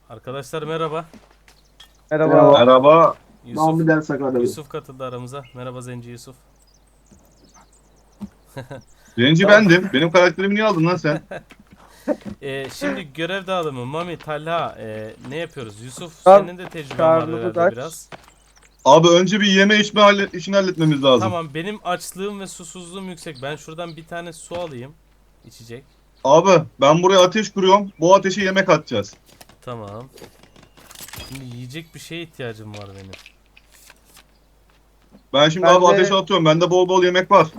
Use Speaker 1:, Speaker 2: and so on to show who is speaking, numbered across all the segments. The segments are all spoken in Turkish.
Speaker 1: Arkadaşlar merhaba.
Speaker 2: Merhaba.
Speaker 3: Merhaba.
Speaker 1: Yusuf
Speaker 2: Mahmut Sakar.
Speaker 1: Yusuf katıldı aramıza. Merhaba Zenci Yusuf.
Speaker 3: Birinci
Speaker 1: Tamam.
Speaker 3: bendim. Benim karakterimi niye aldın lan sen?
Speaker 1: Şimdi görev dağılımı. Mami, Talha, ne yapıyoruz? Yusuf,
Speaker 2: Tamam.
Speaker 1: senin de tecrüben var
Speaker 2: Karnımız
Speaker 1: herhalde
Speaker 2: aç.
Speaker 1: biraz.
Speaker 3: Abi önce bir yeme içme işini halletmemiz lazım.
Speaker 1: Tamam, benim açlığım ve susuzluğum yüksek. Ben şuradan bir tane su alayım. İçecek.
Speaker 3: Abi ben buraya ateş kuruyorum. Bu ateşe yemek atacağız.
Speaker 1: Tamam. Şimdi yiyecek bir şeye ihtiyacım var benim.
Speaker 3: Ben şimdi
Speaker 2: Ben
Speaker 3: abi
Speaker 2: de-
Speaker 3: ateşe atıyorum. Bende bol bol yemek var.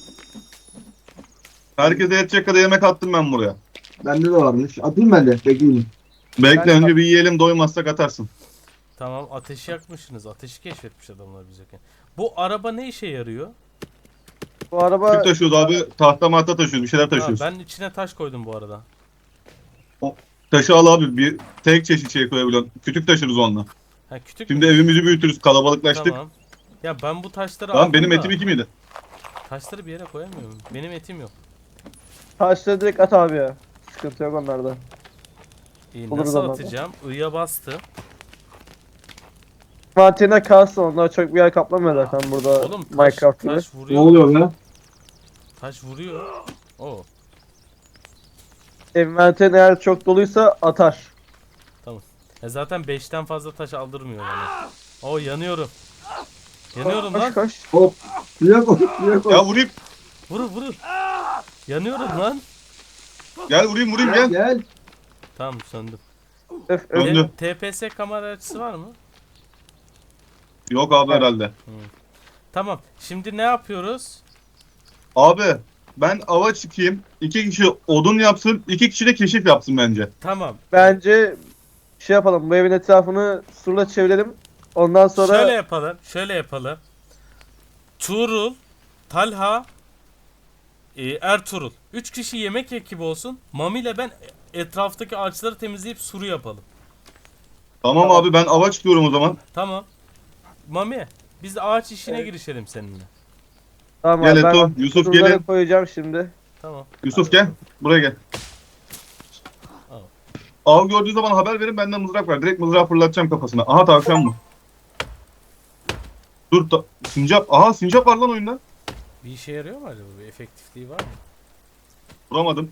Speaker 3: Herkese yetecek kadar yemek attım ben buraya.
Speaker 2: Bende de varmış. Atayım ben de. Bekleyin.
Speaker 3: Bekle
Speaker 2: Ben-
Speaker 3: önce bir yiyelim, doymazsak atarsın.
Speaker 1: Tamam, ateşi yakmışsınız. Ateşi keşfetmiş adamlar biz yokken. Bu araba ne işe yarıyor?
Speaker 2: Bu araba
Speaker 3: Tüp taşıyoruz abi. Tahta mahta taşıyoruz. Bir şeyler
Speaker 1: Ha,
Speaker 3: taşıyoruz.
Speaker 1: ben içine taş koydum bu arada.
Speaker 3: Taşı al abi. Bir tek çeşit şey koyabiliyorsun. Kütük taşırız onunla.
Speaker 1: Ha, kütük
Speaker 3: Şimdi
Speaker 1: mü?
Speaker 3: evimizi büyütürüz. Kalabalıklaştık.
Speaker 1: Tamam. Ya ben bu taşları
Speaker 3: Tamam
Speaker 1: aldım
Speaker 3: benim
Speaker 1: da
Speaker 3: etim 2 miydi?
Speaker 1: taşları bir yere koyamıyorum. Benim etim yok.
Speaker 2: taşları direkt at abi ya. Sıkıntı yok onlarda.
Speaker 1: İyi,
Speaker 2: Olur
Speaker 1: nasıl
Speaker 2: zaman.
Speaker 1: atacağım? I'ya bastım.
Speaker 2: Mantığına kalsın, onlar çok bir yer kaplamıyor zaten burada
Speaker 1: Oğlum
Speaker 2: Minecraft gibi.
Speaker 1: taş vuruyor.
Speaker 2: lan?
Speaker 1: Taş vuruyor. Oo.
Speaker 2: Envanterin eğer çok doluysa atar.
Speaker 1: Zaten 5'ten fazla taş aldırmıyor bana. Oo, yanıyorum. Yanıyorum
Speaker 2: Koş
Speaker 1: lan.
Speaker 2: koş. Hop. Suya koş, suya koş.
Speaker 3: Ya vurayım.
Speaker 1: Vurun. Yanıyorum lan.
Speaker 3: Gel vurayım gel.
Speaker 2: Gel.
Speaker 1: Tamam, söndüm.
Speaker 2: Öf öf.
Speaker 3: Döndü.
Speaker 1: TPS kamera açısı var mı?
Speaker 3: Yok abi
Speaker 2: Evet.
Speaker 3: herhalde.
Speaker 1: Tamam. Şimdi ne yapıyoruz?
Speaker 3: Abi ben ava çıkayım. 2 kişi odun yapsın. 2 kişi de keşif yapsın bence.
Speaker 1: Tamam.
Speaker 2: Bence şey yapalım, bu evin etrafını surla çevirelim. Ondan sonra
Speaker 1: Şöyle yapalım. Tuğrul, Talha, Ertuğrul. 3 kişi yemek ekibi olsun. Mami ile ben etraftaki ağaçları temizleyip suru yapalım.
Speaker 3: Tamam,
Speaker 2: Tamam.
Speaker 3: abi ben ava çıkıyorum o zaman.
Speaker 1: Tamam. Mami, biz de ağaç işine
Speaker 2: Evet.
Speaker 1: girişelim seninle.
Speaker 2: tamam
Speaker 3: Gel
Speaker 2: abi, ben
Speaker 3: Eto, Yusuf
Speaker 2: surları
Speaker 3: gelin.
Speaker 2: koyacağım şimdi.
Speaker 1: Tamam.
Speaker 3: Yusuf gel. Buraya gel.
Speaker 1: Al.
Speaker 3: Av gördüğü zaman haber verin, benden mızrak ver. Direkt mızrağı fırlatacağım kafasına. Aha tavşan mı? Dur sincap. Aha sincap var lan oyunda.
Speaker 1: Bir işe yarıyor mu acaba? Bir efektifliği var mı?
Speaker 3: Vuramadım.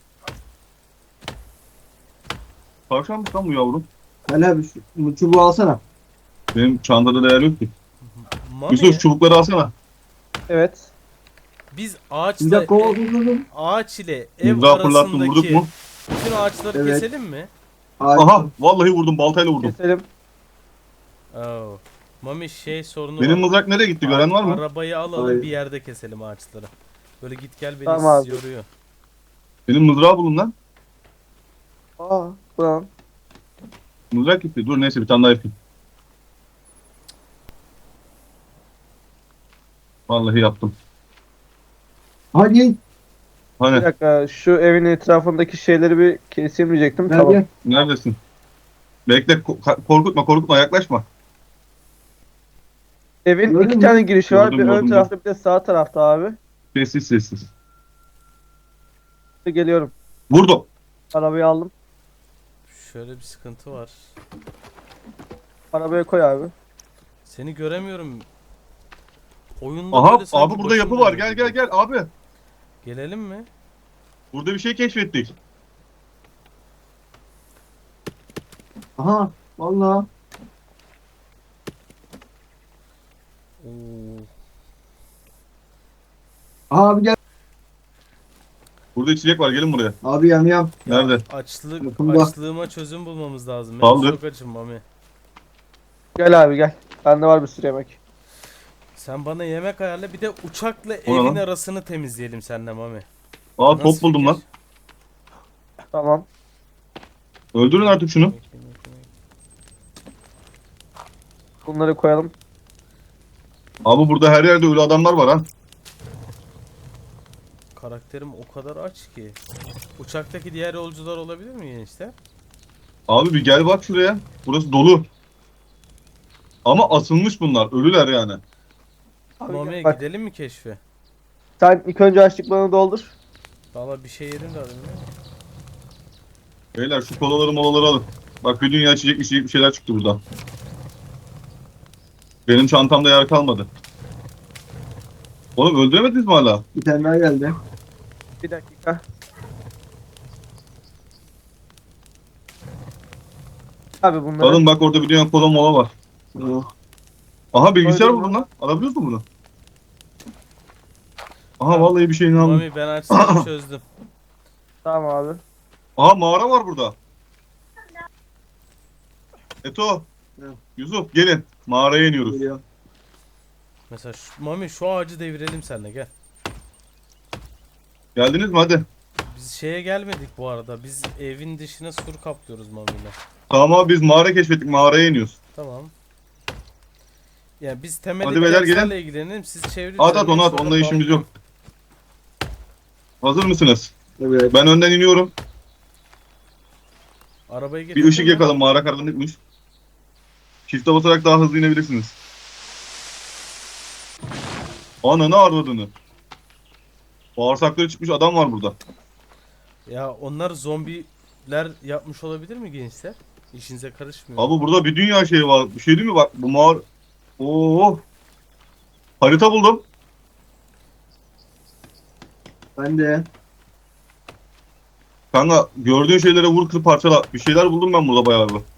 Speaker 3: Tavşan mı lan bu yavrum?
Speaker 2: Gel abi, bu çubuğu alsana.
Speaker 3: Benim çantada değer yok ki.
Speaker 1: Mami,
Speaker 3: Yusuf çubukları alsana.
Speaker 2: Evet.
Speaker 1: biz ağaçla ağaç ile ev
Speaker 3: Mızrağı fırlattım, vurduk
Speaker 1: arasındaki
Speaker 3: mu?
Speaker 1: bütün ağaçları
Speaker 2: Evet.
Speaker 1: keselim mi?
Speaker 3: Aha vallahi vurdum, baltayla vurdum.
Speaker 2: Keselim.
Speaker 1: Oo. Mami, sorunu
Speaker 3: Benim
Speaker 1: var.
Speaker 3: mızrak nereye gitti, gören var mı?
Speaker 1: Arabayı alalım,
Speaker 2: Hayır.
Speaker 1: bir yerde keselim ağaçları. Böyle git gel beni
Speaker 2: Tamam abi.
Speaker 1: yoruyor.
Speaker 3: Benim mızrağı bulun lan.
Speaker 2: Aa, tamam.
Speaker 3: Mızrak gitti. Dur neyse bir tane daha yapayım. Vallahi yaptım.
Speaker 2: Hadi.
Speaker 3: Hani
Speaker 2: Bir dakika, şu evin etrafındaki şeyleri bir keseyim diyecektim. Tamam.
Speaker 3: neredesin? Bekle, korkutma, yaklaşma.
Speaker 2: Evin
Speaker 4: Gördün
Speaker 2: iki
Speaker 4: mü?
Speaker 2: tane girişi var.
Speaker 3: Gördüm,
Speaker 2: Bir ön
Speaker 3: gördüm.
Speaker 2: tarafta, bir de sağ tarafta abi.
Speaker 3: Sessiz.
Speaker 2: Geliyorum.
Speaker 3: Vurdum.
Speaker 2: Arabayı aldım.
Speaker 1: Şöyle bir sıkıntı var.
Speaker 2: Arabaya koy abi.
Speaker 1: Seni göremiyorum. Oyunda
Speaker 3: Aha
Speaker 1: böyle sanki
Speaker 3: abi burada
Speaker 1: başım
Speaker 3: yapı var.
Speaker 1: dönüyor
Speaker 3: Gel
Speaker 1: gibi.
Speaker 3: abi.
Speaker 1: Gelelim mi?
Speaker 3: Burada bir şey keşfettik.
Speaker 4: Aha valla.
Speaker 1: Oo.
Speaker 4: Abi gel.
Speaker 3: Burada içecek var, gelin buraya.
Speaker 4: Abi yam.
Speaker 1: Ya,
Speaker 3: Nerede?
Speaker 4: Yakında.
Speaker 1: açlığıma çözüm bulmamız lazım.
Speaker 3: Kaldır.
Speaker 1: Çok açım Mami.
Speaker 2: Gel abi gel. Bende var bir sürü yemek.
Speaker 1: Sen bana yemek ayarla, bir de uçakla
Speaker 3: O ne
Speaker 1: evin
Speaker 3: lan?
Speaker 1: arasını temizleyelim seninle Mami.
Speaker 3: Aa
Speaker 1: Nasıl
Speaker 3: top buldum
Speaker 1: fikir?
Speaker 3: lan.
Speaker 2: Tamam.
Speaker 3: Öldürün artık şunu.
Speaker 1: Yemek.
Speaker 2: Bunları koyalım.
Speaker 3: Abi burada her yerde ölü adamlar var ha.
Speaker 1: Karakterim o kadar aç ki. Uçaktaki diğer yolcular olabilir mi gençler?
Speaker 3: Abi bir gel bak şuraya. Burası dolu. Ama asılmış bunlar. Ölüler yani.
Speaker 2: Abi
Speaker 1: Mami,
Speaker 2: gel, bak.
Speaker 1: gidelim mi keşfe?
Speaker 2: Sen ilk önce açlıklarını doldur.
Speaker 1: Valla bir şey yedim de alayım.
Speaker 3: Beyler şu kolaları molaları alın. Bak bir dünya içecek bir şeyler çıktı burada. Benim çantamda yer kalmadı. Oğlum öldüremediniz mi hala?
Speaker 4: Bir tane daha geldi.
Speaker 2: Bir dakika. Abi bunları
Speaker 3: Alın bak orada bir dünya kola mola var.
Speaker 4: Oh.
Speaker 3: Aha bilgisayar
Speaker 2: Koydum
Speaker 3: buldum
Speaker 2: lan.
Speaker 3: lan. Alabiliyor musun bunu? Aha vallahi bir şeyini aldım.
Speaker 1: Mami ben açtım çözdüm.
Speaker 2: tamam abi.
Speaker 3: Aha mağara var burada. Eto.
Speaker 4: Ne?
Speaker 3: Yusuf gelin. Mağaraya iniyoruz.
Speaker 4: Geliyor.
Speaker 1: Mesela Mami şu ağacı devirelim seninle gel.
Speaker 3: Geldiniz mi hadi.
Speaker 1: Biz şeye gelmedik bu arada. Biz evin dışına sur kaplıyoruz Mami'yle.
Speaker 3: Tamam abi biz mağara keşfettik. Mağaraya iniyoruz.
Speaker 1: Tamam. Yani biz
Speaker 3: Hadi
Speaker 1: temeldeki
Speaker 3: beyler,
Speaker 1: derslerle ilgilenelim. Siz çevre
Speaker 3: At onu at.
Speaker 1: sonra
Speaker 3: Onunla işimiz
Speaker 1: bağlayın.
Speaker 3: yok. Hazır mısınız?
Speaker 4: Evet.
Speaker 3: Ben önden iniyorum.
Speaker 1: Arabayı
Speaker 3: Bir
Speaker 1: getirdin
Speaker 3: ışık
Speaker 1: mi?
Speaker 3: yakalım. Mağara karanlıkmış. Çifte basarak daha hızlı inebilirsiniz. Ananı arvadını. Bağırsakları çıkmış adam var burada.
Speaker 1: Ya onlar zombiler yapmış olabilir mi gençler? İşinize karışmıyor.
Speaker 3: Abi burada bir dünya şeyi var. Bir şey değil mi? Bak bu mağara... Oo. Harita buldum.
Speaker 4: Ben de.
Speaker 3: Kanka gördüğün şeylere vur kır parçala. Bir şeyler buldum ben burada bayağı bir.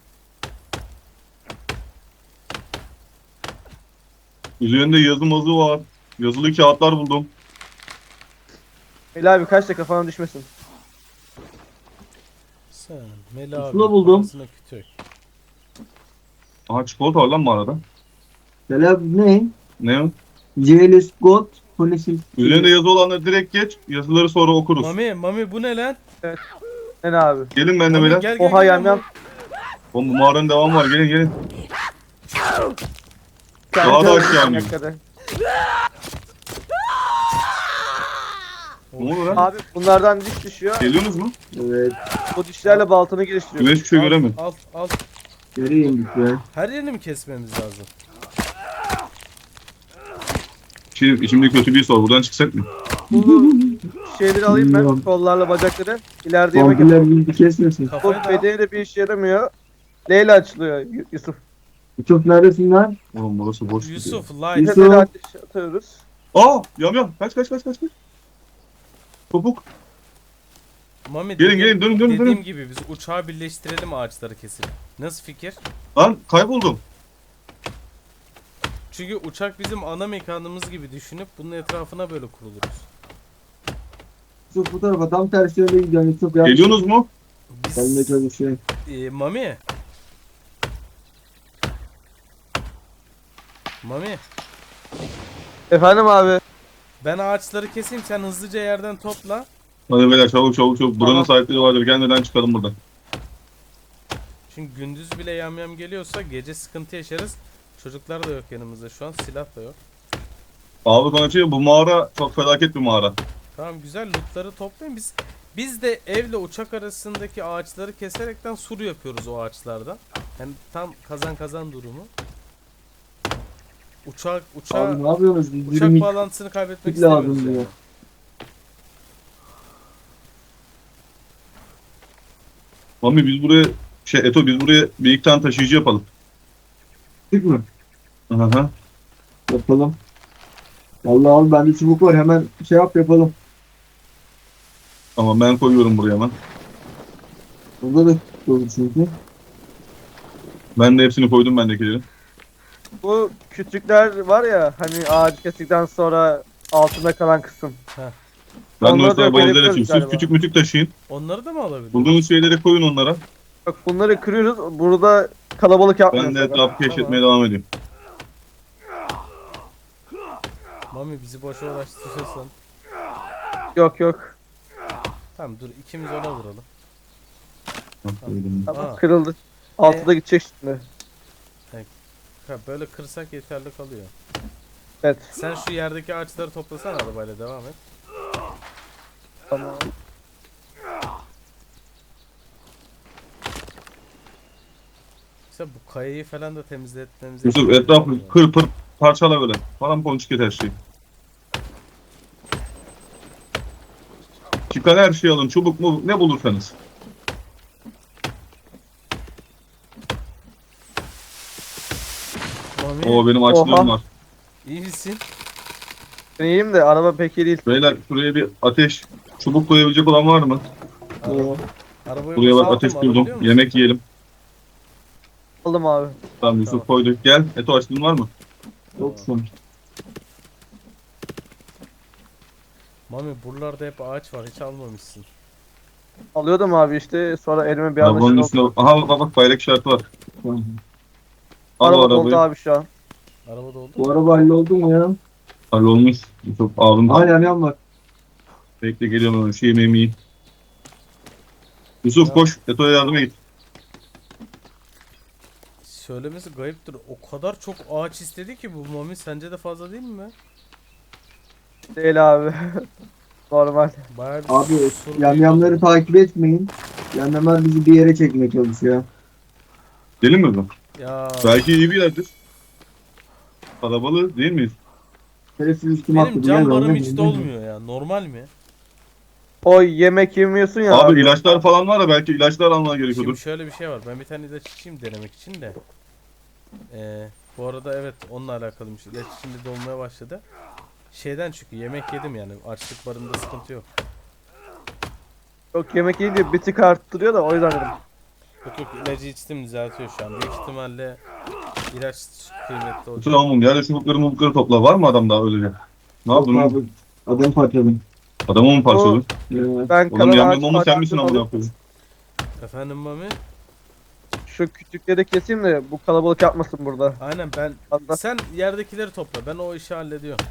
Speaker 3: Üzerinde yazı mazı var. Yazılı kağıtlar buldum.
Speaker 2: Meli abi kaç da kafana düşmesin.
Speaker 1: Sen Meli abi.
Speaker 4: Pusula buldum.
Speaker 1: kafasına kütük.
Speaker 3: Aha çikolata var lan mağarada.
Speaker 4: Selam ne?
Speaker 3: Ne o?
Speaker 4: Jailus God. Polisin.
Speaker 3: Üzerinde yazı olanları direkt geç. Yazıları sonra okuruz.
Speaker 1: Mami bu ne lan?
Speaker 2: Ne abi?
Speaker 3: Gelin benimle
Speaker 1: Mami
Speaker 3: beyler.
Speaker 1: gel
Speaker 2: Oha
Speaker 1: gel.
Speaker 2: yamyam.
Speaker 3: Oğlum bu mağaranın devamı var. Gelin gelin.
Speaker 2: Kendi
Speaker 3: Daha da
Speaker 2: öldürsün
Speaker 3: aşağı
Speaker 2: dakikada.
Speaker 3: Ne oluyor lan?
Speaker 2: Abi bunlardan diş düşüyor.
Speaker 3: Geliyorsunuz mu?
Speaker 4: Evet.
Speaker 2: Bu dişlerle baltanı geliştiriyor.
Speaker 3: Ben hiçbir şey göremiyorum.
Speaker 1: Al.
Speaker 4: Nereye indik be?
Speaker 1: Her yerini mi kesmemiz lazım?
Speaker 3: İçimde kötü bir sor. Buradan çıksak mı?
Speaker 2: Bu şeyleri alayım ben.
Speaker 4: Bilmiyorum.
Speaker 2: Kollarla bacakları. İleride yemek yapalım.
Speaker 4: Vampirler bildi kesmesin.
Speaker 2: Bu
Speaker 1: Kafayı da
Speaker 2: bedeni de bir işe yaramıyor. Leyle açılıyor Yusuf.
Speaker 4: Çok neredesin lan?
Speaker 3: Oğlum burası boş.
Speaker 1: Yusuf
Speaker 2: Bir
Speaker 1: light.
Speaker 4: Yusuf.
Speaker 2: de ateş atıyoruz.
Speaker 3: Aa yam. Kaç. Topuk.
Speaker 1: Mami
Speaker 3: Gelin, dönün.
Speaker 1: dediğim gibi biz uçağı birleştirelim ağaçları kesip. Nasıl fikir?
Speaker 3: Lan kayboldum.
Speaker 1: Çünkü uçak bizim ana mekanımız gibi düşünüp bunun etrafına böyle kuruluruz.
Speaker 4: Yusuf bu tarafa tam tersi yönde gidiyorsun Yusuf ya.
Speaker 3: Geliyorsunuz mu?
Speaker 4: Ben de
Speaker 1: Biz
Speaker 4: çalışıyorum.
Speaker 1: Mami. Mami
Speaker 2: Efendim abi.
Speaker 1: ben ağaçları keseyim sen hızlıca yerden topla.
Speaker 3: Hadi beyler çabuk. Buranın
Speaker 2: Tamam.
Speaker 3: sahipleri vardır. Gelmeden çıkalım buradan.
Speaker 1: Çünkü gündüz bile yamyam geliyorsa gece sıkıntı yaşarız. Çocuklar da yok yanımızda şu an, silah da yok.
Speaker 3: Abi bana şey bu mağara çok felaket bir mağara.
Speaker 1: Tamam güzel, lootları toplayın. Biz de evle uçak arasındaki ağaçları keserekten sur yapıyoruz o ağaçlardan. Yani tam kazan durumu. Uçak
Speaker 4: Abi ne yapıyorsunuz? Biz
Speaker 1: uçak
Speaker 4: 20
Speaker 1: bağlantısını kaybetmek
Speaker 4: lazım
Speaker 1: istemiyoruz
Speaker 4: diyor.
Speaker 1: yani.
Speaker 3: Mami biz buraya Eto biz buraya bir iki tane taşıyıcı yapalım.
Speaker 4: Çık mı?
Speaker 3: Aha.
Speaker 4: Yapalım. Vallahi abi bende çubuk var hemen şey yap yapalım.
Speaker 3: Tamam ben koyuyorum buraya hemen.
Speaker 4: Burada da olur çünkü.
Speaker 3: Ben de hepsini koydum bendekileri.
Speaker 2: Bu küçükler var ya hani ağacı kestikten sonra altında kalan kısım.
Speaker 3: Ben de
Speaker 2: Onları
Speaker 3: o
Speaker 2: da
Speaker 3: valizeler
Speaker 2: yapabiliyoruz
Speaker 3: açayım. Siz
Speaker 2: galiba.
Speaker 3: küçük mütük taşıyın.
Speaker 1: Onları da mı alabiliriz?
Speaker 3: Bulduğunuz şeyleri koyun onlara.
Speaker 2: Bak bunları kırıyoruz. Burada kalabalık yapmıyoruz.
Speaker 3: Ben de etrafı keşfetmeye devam edeyim.
Speaker 1: Mami bizi boşa uğraştırırsan.
Speaker 2: Yok.
Speaker 1: Tamam dur, ikimiz ona vuralım.
Speaker 2: Tamam
Speaker 1: Aa.
Speaker 2: kırıldı. Altıda gidecek şimdi.
Speaker 1: Ha, böyle kırsak yeterli kalıyor.
Speaker 2: Evet.
Speaker 1: Sen şu yerdeki ağaçları toplasan, arabayla devam et.
Speaker 2: Tamam.
Speaker 1: İşte bu kayayı falan da temizletmemiz
Speaker 3: Yusuf etrafı kır pır parçala böyle. Paramponçik et her şeyi. Çıkan her şeyi alın. Çubuk mu ne bulursanız.
Speaker 1: Mami
Speaker 3: Oo benim açlığım
Speaker 2: Oha.
Speaker 3: var.
Speaker 1: iyi misin?
Speaker 2: Ben iyiyim de araba pek iyi değil.
Speaker 3: Beyler şuraya bir ateş, çubuk koyabilecek olan var mı?
Speaker 4: Ee,
Speaker 1: Arabayı
Speaker 3: Buraya bak
Speaker 1: boşalttım,
Speaker 3: ateş
Speaker 1: alabiliyor
Speaker 3: buldum.
Speaker 1: musun?
Speaker 3: Yemek yiyelim.
Speaker 2: Aldım abi.
Speaker 3: Tamam Yusuf
Speaker 1: Tamam.
Speaker 3: koyduk. Gel. Eto açlığın var mı?
Speaker 4: Yok şu an.
Speaker 1: Mami buralarda hep ağaç var, hiç almamışsın.
Speaker 2: Alıyordum abi işte sonra elime bir anda
Speaker 3: Arabanın
Speaker 2: şey
Speaker 3: üstüne...
Speaker 2: oldu.
Speaker 3: Aha bak bayrak işareti var.
Speaker 4: Tamam.
Speaker 3: Al o
Speaker 2: Araba doldu
Speaker 3: arabayı.
Speaker 2: abi şu an.
Speaker 1: Arabada oldu.
Speaker 4: Bu araba halloldu mu ya?
Speaker 3: Hallolmuş. Yusuf ağzım.
Speaker 4: Hala yan var.
Speaker 3: Bekle geliyorum ben. Şu yemeğimi yiyeyim. Yusuf
Speaker 1: Ya.
Speaker 3: koş. Eto'ya yardıma git.
Speaker 1: Söylemesi gariptir. O kadar çok ağaç istedi ki bu Mami, sence de fazla değil mi?
Speaker 2: Değil abi. Normal.
Speaker 1: Bayağı bir
Speaker 4: Abi
Speaker 1: sorun
Speaker 4: yamyamları
Speaker 1: değil.
Speaker 4: takip etmeyin. Yamyamlar bizi bir yere çekmeye çalışıyor.
Speaker 3: Gelin mi bu?
Speaker 1: Ya
Speaker 3: Belki iyi bir yerdir. Kalabalık değil miyiz?
Speaker 4: Şerefsiz üstüme
Speaker 1: benim
Speaker 4: atladı.
Speaker 1: can
Speaker 4: Gel
Speaker 1: barım
Speaker 4: lan,
Speaker 1: hiç
Speaker 4: gel.
Speaker 1: dolmuyor ya. Normal mi?
Speaker 2: O yemek yemiyorsun ya
Speaker 3: Abi ilaçlar falan var ya belki ilaçlar almana
Speaker 1: Şimdi
Speaker 3: gerekiyordur.
Speaker 1: şöyle bir şey var. Ben bir tane ilaç içeyim denemek için de. Bu arada evet, onunla alakalıymış. İlaç içinde dolmaya başladı. Şeyden çünkü yemek yedim yani. Açlık barında sıkıntı yok.
Speaker 2: Yok yemek yiyince bir tık arttırıyor da o yüzden dedim.
Speaker 1: Yok yok, ilacı içtim, düzeltiyor şu an. Büyük ihtimalle ilaç kıymetli olacak.
Speaker 3: Tamam ya da çubukları mubukları topla. Var mı adam daha öylece? Ne
Speaker 4: Yok
Speaker 3: yaptın?
Speaker 4: abi. Adam parçaladım.
Speaker 3: Adamı mı parçaladın?
Speaker 2: Ben
Speaker 3: Oğlum
Speaker 2: kalan ağaç
Speaker 3: yamyam mu sen misin
Speaker 2: parçalarını
Speaker 3: amına
Speaker 2: alıp
Speaker 3: koyayım?
Speaker 1: Efendim Mami?
Speaker 2: şu küçükleri keseyim de bu kalabalık yapmasın burada.
Speaker 1: Aynen ben.
Speaker 2: Hatta
Speaker 1: Sen yerdekileri topla. Ben o işi hallediyorum.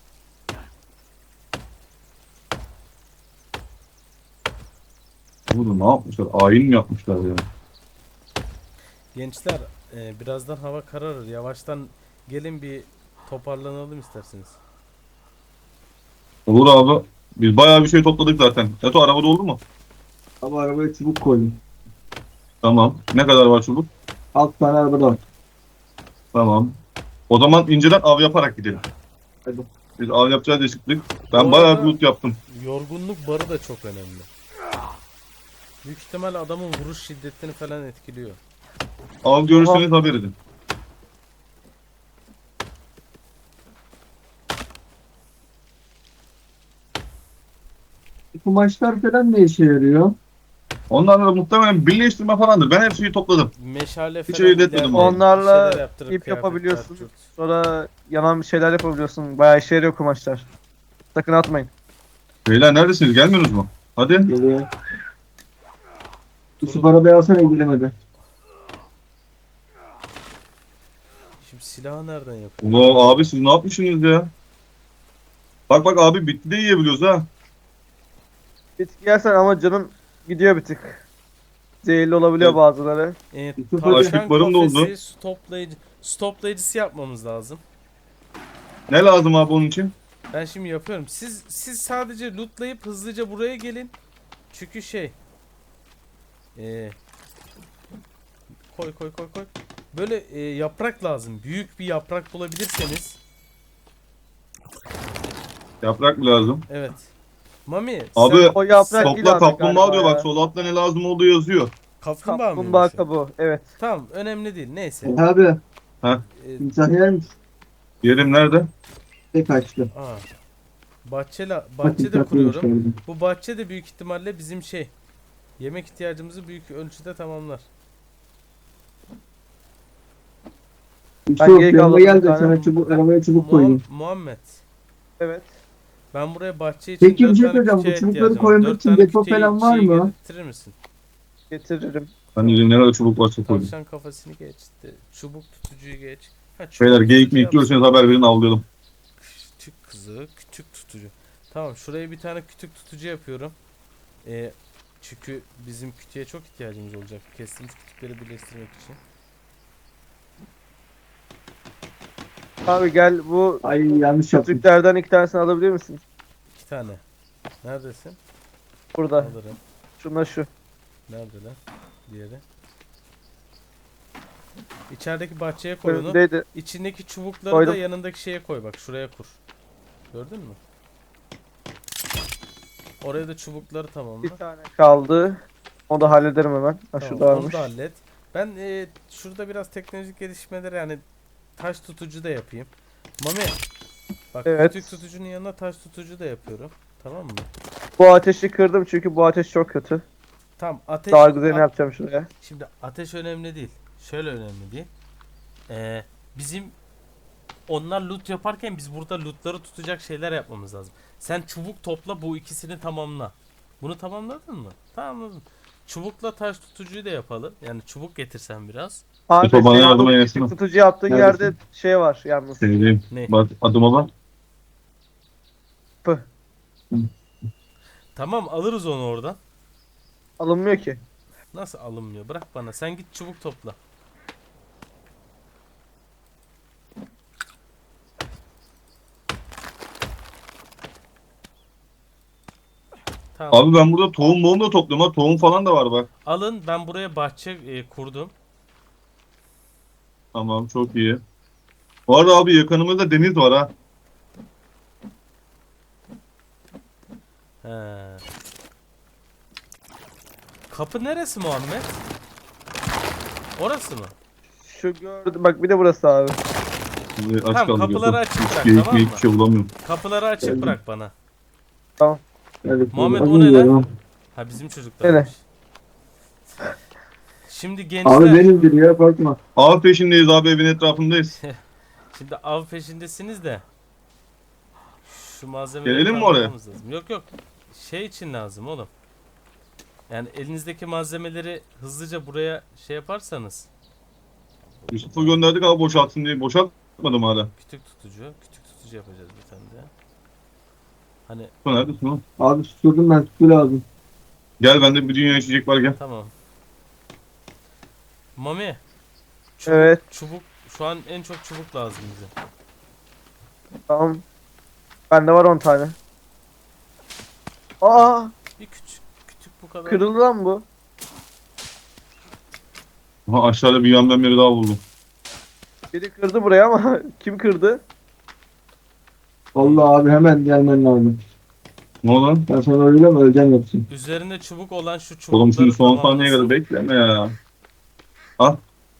Speaker 3: Oğlum ne yapmışlar? Ayin mi yapmışlar ya?
Speaker 1: Gençler, birazdan hava kararır. Yavaştan gelin bir toparlanalım isterseniz.
Speaker 3: Olur abi. Biz bayağı bir şey topladık zaten. Eto arabada oldu mu?
Speaker 4: Ama arabaya çubuk koydum.
Speaker 3: Tamam. Ne kadar var çubuk?
Speaker 4: 6 tane arabada var.
Speaker 3: Tamam. O zaman inceden av yaparak gidelim.
Speaker 4: Hadi.
Speaker 3: Biz av yapacağız diye çıktık. Ben
Speaker 1: Bu
Speaker 3: bayağı
Speaker 1: arada-
Speaker 3: bir loot yaptım.
Speaker 1: Yorgunluk barı da çok önemli. Büyük ihtimal adamın vuruş şiddetini falan etkiliyor.
Speaker 3: Av görürseniz haber edin.
Speaker 4: Kumaşlar falan ne işe yarıyor?
Speaker 3: Onlarla da muhtemelen birleştirme falandır. Ben her şeyi topladım.
Speaker 1: Meşale
Speaker 3: Hiç
Speaker 1: falan
Speaker 3: öyle etmedim
Speaker 1: ileride
Speaker 3: abi.
Speaker 2: Onlarla
Speaker 1: bir şeyler yaptırıp
Speaker 2: ip
Speaker 1: kıyafetler,
Speaker 2: yapabiliyorsun.
Speaker 1: cürt.
Speaker 2: Sonra yanan bir şeyler yapabiliyorsun. Bayağı işe yarıyor kumaşlar. Sakın atmayın.
Speaker 3: Beyler neredesiniz? Gelmiyorsunuz mu? Hadi.
Speaker 4: Geliyor. Yusuf arabaya alsana ilgilemedi.
Speaker 1: Şimdi silahı nereden yapıyor?
Speaker 3: Ulan abi siz ne yapmışsınız ya? Bak bak abi bitti de yiyebiliyoruz ha.
Speaker 2: Bitki yersen ama canın gidiyor bir tık. Zehirli olabiliyor
Speaker 3: Evet.
Speaker 2: bazıları.
Speaker 4: Yusuf,
Speaker 1: Tavşan
Speaker 3: açlık barım da oldu.
Speaker 1: kafesi stoplayıcısı yapmamız lazım.
Speaker 3: Ne lazım abi onun için?
Speaker 1: Ben şimdi yapıyorum. Siz sadece lootlayıp hızlıca buraya gelin. Çünkü koy koy koy koy. Böyle yaprak lazım. Büyük bir yaprak bulabilirseniz.
Speaker 3: Yaprak mı lazım?
Speaker 1: Evet. Mami
Speaker 3: Abi,
Speaker 1: sen
Speaker 2: O yaprak değil
Speaker 3: Topla
Speaker 2: abi
Speaker 3: kaplumbağa
Speaker 2: galiba
Speaker 3: diyor
Speaker 2: ya.
Speaker 3: bak sol altta ne lazım olduğu yazıyor.
Speaker 1: kaplumbağa mı?
Speaker 2: Kaplumbağa kabuğu. Evet.
Speaker 1: Tamam, önemli değil. Neyse.
Speaker 4: Abi
Speaker 3: Heh.
Speaker 1: E,
Speaker 4: timsah yer misin?
Speaker 3: Yerim nerede?
Speaker 4: Tek kaçtı.
Speaker 1: bahçede
Speaker 4: Bak, timsah
Speaker 1: kuruyorum.
Speaker 4: yemiş
Speaker 1: Bu bahçe de büyük ihtimalle bizim yemek ihtiyacımızı büyük ölçüde tamamlar.
Speaker 4: Yusuf
Speaker 2: geri
Speaker 4: yanıma
Speaker 2: kaldım
Speaker 4: gel
Speaker 2: bir
Speaker 4: de
Speaker 2: tane.
Speaker 4: sana çubuk, arabaya çubuk koydum.
Speaker 1: Muhammed.
Speaker 2: Evet.
Speaker 1: Ben buraya bahçe için
Speaker 4: Peki, bir
Speaker 1: 4
Speaker 4: şey
Speaker 1: tane
Speaker 4: söyleyeceğim. Bu
Speaker 1: kütüğe
Speaker 4: çubukları
Speaker 1: ihtiyacım var.
Speaker 4: koymak
Speaker 1: 4
Speaker 4: için
Speaker 1: tane
Speaker 4: depo
Speaker 1: kütüğe
Speaker 4: falan var
Speaker 1: şeyi
Speaker 4: mı?
Speaker 1: getirir misin?
Speaker 2: Getiririm.
Speaker 3: Hani ne kadar çubuk varsa koydum.
Speaker 1: Tavşan kafasını geçti. Çubuk tutucuyu geç. Ha, çubuk
Speaker 3: Beyler geyik mi
Speaker 1: tutucu
Speaker 3: istiyorsanız haber verin avlayalım.
Speaker 1: Küçük kızı, küçük tutucu. Tamam, şuraya bir tane küçük tutucu yapıyorum. Çünkü bizim kütüğe çok ihtiyacımız olacak. Kestiğimiz kütükleri birleştirmek için.
Speaker 2: Abi gel bu
Speaker 4: Ay yanlış yaptım.
Speaker 2: kütüklerden 2 tanesini alabilir misin?
Speaker 1: 2 tane. Neredesin?
Speaker 2: Burada.
Speaker 1: Alırım.
Speaker 2: Şunla şu.
Speaker 1: Nerede lan? Diğeri. İçerideki bahçeye koy onu.
Speaker 2: Önündeydi.
Speaker 1: İçindeki çubukları
Speaker 2: Koydum.
Speaker 1: da yanındaki şeye koy bak. Şuraya kur. Gördün mü? Oraya da çubukları tamamla.
Speaker 2: Bir tane kaldı. Onu da hallederim hemen. Ha
Speaker 1: Tamam,
Speaker 2: şurada
Speaker 1: onu
Speaker 2: varmış.
Speaker 1: da hallet. Ben şurada biraz teknolojik gelişmeleri yani taş tutucu da yapayım. Mami. Bak
Speaker 2: Evet.
Speaker 1: kütük tutucunun yanına taş tutucu da yapıyorum. Tamam mı?
Speaker 2: Bu ateşi kırdım çünkü bu ateş çok kötü.
Speaker 1: Tamam ateş.
Speaker 2: Daha güzelini yapacağım şuraya.
Speaker 1: Şimdi ateş önemli değil. Şöyle önemli değil. Bizim onlar loot yaparken biz burada lootları tutacak şeyler yapmamız lazım. Sen çubuk topla, bu ikisini tamamla. Bunu tamamladın mı? Tamamladım. Çubukla taş tutucuyu da yapalım. Yani çubuk getirsen biraz.
Speaker 2: Abi
Speaker 3: Yusuf, bana
Speaker 2: senin
Speaker 3: yardıma
Speaker 2: bu
Speaker 3: gelsene.
Speaker 2: küçük tutucu yaptığın
Speaker 4: Neredesin?
Speaker 2: yerde şey var yalnız.
Speaker 3: Sevdiğim.
Speaker 1: Ne?
Speaker 3: Bak adıma bak.
Speaker 2: Pı.
Speaker 1: Tamam alırız onu oradan.
Speaker 2: Alınmıyor ki.
Speaker 1: Nasıl alınmıyor? Bırak bana. Sen git çubuk topla. Tamam.
Speaker 3: Abi ben burada tohum da topluyorum ha. Tohum falan da var bak.
Speaker 1: Alın, ben buraya bahçe kurdum.
Speaker 3: Tamam, çok iyi. Bu arada abi yakınımızda deniz var ha.
Speaker 1: He. Kapı neresi Muhammed? Orası mı?
Speaker 2: Şu gördüm. Bak bir de burası abi.
Speaker 3: Şimdi aç
Speaker 1: Tamam,
Speaker 3: kaldık
Speaker 1: kapıları
Speaker 3: Yusuf.
Speaker 1: açık bırak,
Speaker 3: Hiç
Speaker 1: tamam mı?
Speaker 3: hiçbir şey bulamıyorum.
Speaker 1: Kapıları açık
Speaker 4: Geldim.
Speaker 1: bırak bana.
Speaker 4: Evet,
Speaker 1: Muhammed,
Speaker 4: az
Speaker 1: o ne
Speaker 4: önce
Speaker 1: lan?
Speaker 4: ya.
Speaker 1: Ha bizim çocuklarmış. Şimdi
Speaker 4: Abi
Speaker 1: gençler,
Speaker 4: benimdir ya bakma.
Speaker 3: Av peşindeyiz abi, evin etrafındayız.
Speaker 1: şimdi av peşindesiniz de şu malzemeleri
Speaker 3: Gelelim mi oraya?
Speaker 1: kaldırmamız lazım. Yok yok, şey için lazım oğlum. Yani elinizdeki malzemeleri hızlıca buraya şey yaparsanız.
Speaker 3: Yusuf'u gönderdik abi boşaltsın diye. Boşaltmadım hala.
Speaker 1: Kütük tutucu yapacağız bir tane de. Hani
Speaker 3: Yusuf neredesin oğlum?
Speaker 4: Abi susturdum ben, su lazım.
Speaker 3: Gel, bende bir dünya içecek var, gel.
Speaker 1: tamam. Mami. Çubuk,
Speaker 2: Evet.
Speaker 1: çubuk şu an en çok çubuk lazım bize.
Speaker 2: Tamam. Bende var 10 tane. Aa,
Speaker 1: Bir küçük bu kadar.
Speaker 2: kırıldı lan bu.
Speaker 3: Aha, aşağıda bir yandan biri daha buldum.
Speaker 2: Biri kırdı buraya ama kim kırdı?
Speaker 4: Vallahi abi hemen gelmen lazım.
Speaker 3: Ne oldu lan?
Speaker 4: Ben sana öyle mi öleceğim yoksa?
Speaker 1: Üzerinde çubuk olan şu çubukları
Speaker 3: Oğlum şimdi son saniyeye
Speaker 1: tamamlasın.
Speaker 3: kadar bekleme ya. Al.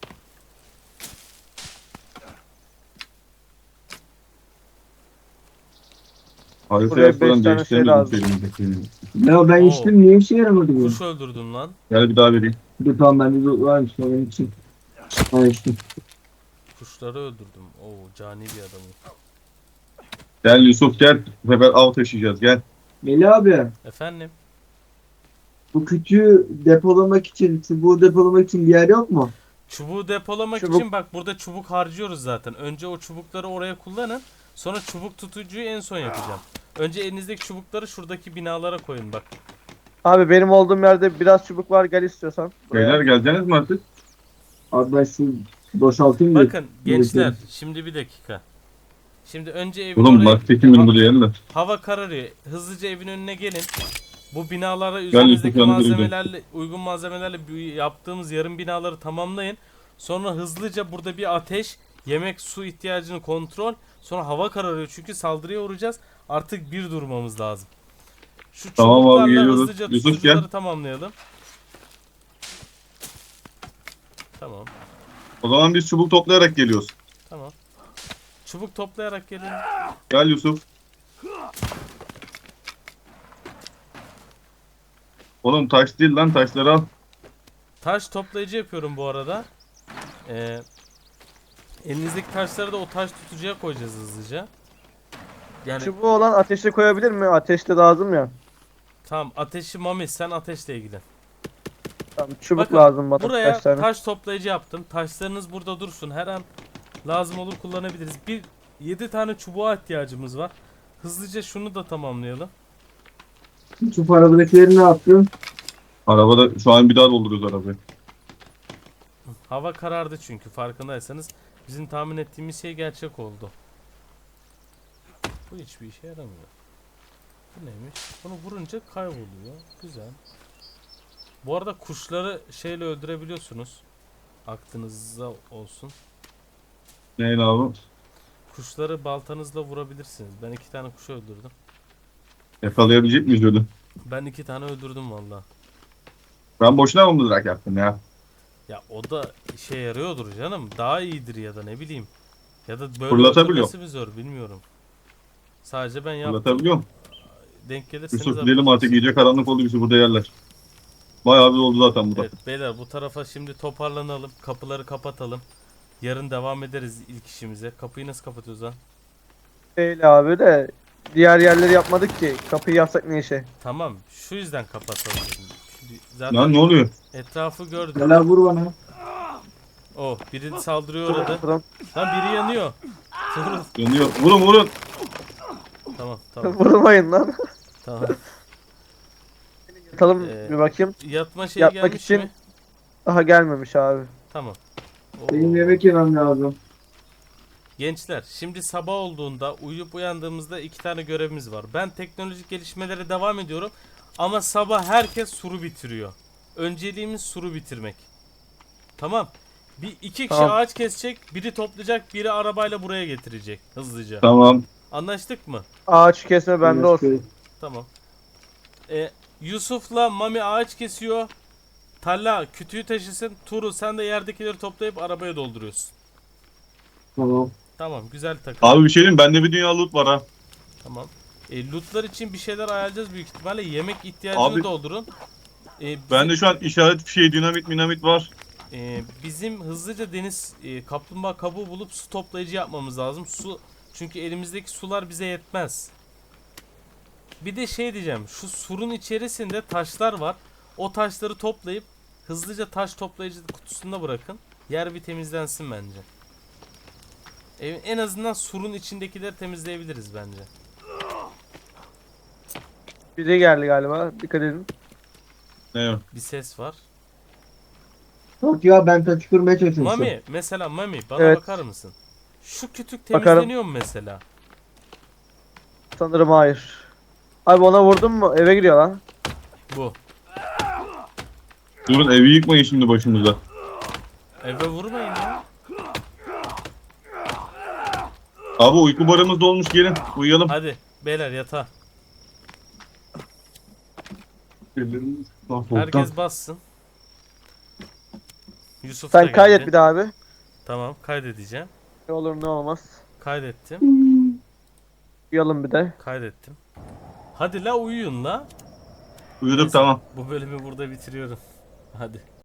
Speaker 3: Haritayı
Speaker 2: Buraya
Speaker 3: açmadan
Speaker 2: beş tane şey
Speaker 3: değiştiremedim
Speaker 2: lazım.
Speaker 3: elimdekini.
Speaker 4: Ya ben
Speaker 1: Oo.
Speaker 4: içtim, niye işe yaramadı bu?
Speaker 1: Kuş öldürdün lan.
Speaker 3: Gel bir daha vereyim.
Speaker 4: Dur tamam, bende de varmış onun için. Ha içtim.
Speaker 1: Kuşları öldürdüm. Oo, cani bir adamım.
Speaker 3: Gel Yusuf, gel. Bu sefer av taşıyacağız, gel.
Speaker 4: Melih abi,
Speaker 1: Efendim?
Speaker 4: bu kütüğü depolamak için, çubuğu depolamak için bir yer yok mu?
Speaker 1: Çubuğu depolamak
Speaker 2: Çubuk.
Speaker 1: için bak burada çubuk harcıyoruz zaten. Önce o çubukları oraya kullanın. Sonra çubuk tutucuyu en son yapacağım. Önce elinizdeki çubukları şuradaki binalara koyun bak.
Speaker 2: Abi benim olduğum yerde biraz çubuk var, gel istiyorsan. Buraya.
Speaker 3: Beyler geleceksiniz mi artık?
Speaker 4: Abi ben şu boşaltayım da.
Speaker 1: Bakın gençler, şimdi bir dakika. Şimdi önce evin
Speaker 3: Oğlum
Speaker 1: oraya...
Speaker 3: bak tekim benim buraya yerler.
Speaker 1: Hava kararıyor. Hızlıca evin önüne gelin. Bu binalara
Speaker 3: Yusuf,
Speaker 1: üzerinizdeki
Speaker 3: yanına
Speaker 1: malzemelerle, uygun malzemelerle yaptığımız yarım binaları tamamlayın. Sonra hızlıca burada bir ateş, yemek, su ihtiyacını kontrol. Sonra hava kararıyor çünkü saldırıya uğrayacağız. Artık bir durmamız lazım. Şu
Speaker 3: Tamam abi,
Speaker 1: çubuklarla
Speaker 3: geliyoruz.
Speaker 1: hızlıca
Speaker 3: Yusuf,
Speaker 1: tutucuları
Speaker 3: gel.
Speaker 1: tamamlayalım. Tamam.
Speaker 3: O zaman biz çubuk toplayarak geliyoruz.
Speaker 1: Tamam. Çubuk toplayarak gelin.
Speaker 3: Gel Yusuf. Oğlum taş değil lan, taşları al.
Speaker 1: Taş toplayıcı yapıyorum bu arada. Elinizdeki taşları da o taş tutucuya koyacağız hızlıca. Yani
Speaker 2: Çubuğu olan ateşe koyabilir mi? Ateşte lazım ya.
Speaker 1: tamam, ateşi Mami, sen ateşle ilgilen.
Speaker 2: Tamam, çubuk
Speaker 1: Bakın,
Speaker 2: lazım bana
Speaker 1: Buraya
Speaker 2: kaç tane.
Speaker 1: taş toplayıcı yaptım. Taşlarınız burada dursun. Her an lazım olur kullanabiliriz. 7 tane çubuğa ihtiyacımız var. Hızlıca şunu da tamamlayalım.
Speaker 4: Şu arabadakileri ne yaptın?
Speaker 3: Arabada şu an bir daha dolduruyoruz arabayı.
Speaker 1: Hava karardı çünkü farkındaysanız. Bizim tahmin ettiğimiz şey gerçek oldu. Bu hiçbir işe yaramıyor. Bu neymiş? Bunu vurunca kayboluyor. Güzel. Bu arada kuşları şeyle öldürebiliyorsunuz. Aklınızda olsun.
Speaker 3: Neyin abi?
Speaker 1: Kuşları baltanızla vurabilirsiniz. Ben 2 tane kuş öldürdüm.
Speaker 3: Yakalayabilecek miyiz öyle?
Speaker 1: Ben 2 tane öldürdüm valla.
Speaker 3: Ben boşuna mı mızrak yaptım ya?
Speaker 1: Ya o da işe yarıyordur canım. Daha iyidir ya da ne bileyim. Ya da böyle
Speaker 3: Fırlatabiliyor.
Speaker 1: oturması mı zor bilmiyorum. Sadece ben yaptım.
Speaker 3: Anlatabiliyor muyum?
Speaker 1: Denk gelirseniz
Speaker 3: Yusuf gidelim
Speaker 1: haberiniz
Speaker 3: artık,
Speaker 1: olsun.
Speaker 3: iyice karanlık oldu, bizi burada yerler. Bayağı bir oldu zaten burada.
Speaker 1: Evet beyler, bu tarafa şimdi toparlanalım. Kapıları kapatalım. Yarın devam ederiz ilk işimize. Kapıyı nasıl kapatıyoruz lan?
Speaker 2: Değil abi de diğer yerleri yapmadık ki. Kapıyı yapsak ne işe?
Speaker 1: Tamam, şu yüzden kapatalım dedim. Şimdi zaten
Speaker 3: Lan ne oluyor?
Speaker 1: etrafı gördüm.
Speaker 4: Gel abi vur bana.
Speaker 1: Oh, biri saldırıyor orada.
Speaker 2: Pardon.
Speaker 1: Lan biri yanıyor. Dur.
Speaker 3: Yanıyor. Vurun vurun.
Speaker 1: Tamam tamam
Speaker 2: Vurmayın lan.
Speaker 1: tamam.
Speaker 2: Yatalım
Speaker 1: Ee,
Speaker 2: bir bakayım.
Speaker 1: Yatma şeyi
Speaker 2: Yatmak
Speaker 1: gelmiş
Speaker 2: için-
Speaker 1: mi?
Speaker 2: Daha gelmemiş abi.
Speaker 1: Tamam.
Speaker 4: Benim
Speaker 1: Oo.
Speaker 4: yemek yemem lazım.
Speaker 1: Gençler, şimdi sabah olduğunda uyuyup uyandığımızda 2 tane görevimiz var. Ben teknolojik gelişmelere devam ediyorum ama sabah herkes suru bitiriyor. Önceliğimiz suru bitirmek. Tamam. Bir iki kişi
Speaker 2: Tamam.
Speaker 1: ağaç kesecek, biri toplayacak, biri arabayla buraya getirecek hızlıca.
Speaker 3: Tamam.
Speaker 1: Anlaştık mı?
Speaker 2: Ağaç kesme bende olsun.
Speaker 1: Tamam. Yusuf'la Mami ağaç kesiyor. Talla kütüğü taşısın. Turu sen de yerdekileri toplayıp arabaya dolduruyorsun.
Speaker 4: Tamam.
Speaker 1: Tamam, güzel takım.
Speaker 3: Abi bir şey diyeyim, bende bir dünya loot var ha.
Speaker 1: Tamam. Lootlar için bir şeyler ayarlayacağız büyük ihtimalle. Yemek ihtiyacını
Speaker 3: Abi-
Speaker 1: doldurun. Bizim,
Speaker 3: Bende şu an işaret fişeği, dinamit, minamit var.
Speaker 1: bizim hızlıca deniz kaplumbağa kabuğu bulup su toplayıcı yapmamız lazım. Su, çünkü elimizdeki sular bize yetmez. Bir de şey diyeceğim. Şu surun içerisinde taşlar var. O taşları toplayıp hızlıca taş toplayıcı kutusunda bırakın. Yer bir temizlensin bence. En azından surun içindekileri temizleyebiliriz bence.
Speaker 2: Biri geldi galiba. Dikkat edin.
Speaker 3: Ne o?
Speaker 1: Bir ses var.
Speaker 4: Yok ya, ben taşı kırmaya çalışıyorum.
Speaker 1: Mami, mesela Mami bana
Speaker 2: Evet.
Speaker 1: bakar mısın? Şu kütük
Speaker 2: Bakarım.
Speaker 1: temizleniyor mu mesela?
Speaker 2: Sanırım hayır. Abi ona vurdun mu? Eve giriyor lan.
Speaker 1: Bu.
Speaker 3: Durun, evi yıkmayın şimdi başımıza.
Speaker 1: Eve vurmayın ya.
Speaker 3: Abi uyku barımız dolmuş, gelin uyuyalım.
Speaker 1: Hadi beyler yatağa. Herkes bassın. Yusuf da
Speaker 2: Sen kaydet
Speaker 1: geldi.
Speaker 2: bir daha abi.
Speaker 1: Tamam, kaydedeceğim.
Speaker 2: Ne olur ne olmaz.
Speaker 1: Kaydettim.
Speaker 2: Uyuyalım bir de.
Speaker 1: Kaydettim. Hadi la uyuyun la.
Speaker 3: Uyuduk,
Speaker 1: Neyse,
Speaker 3: tamam.
Speaker 1: Bu bölümü burada bitiriyorum. Hadi.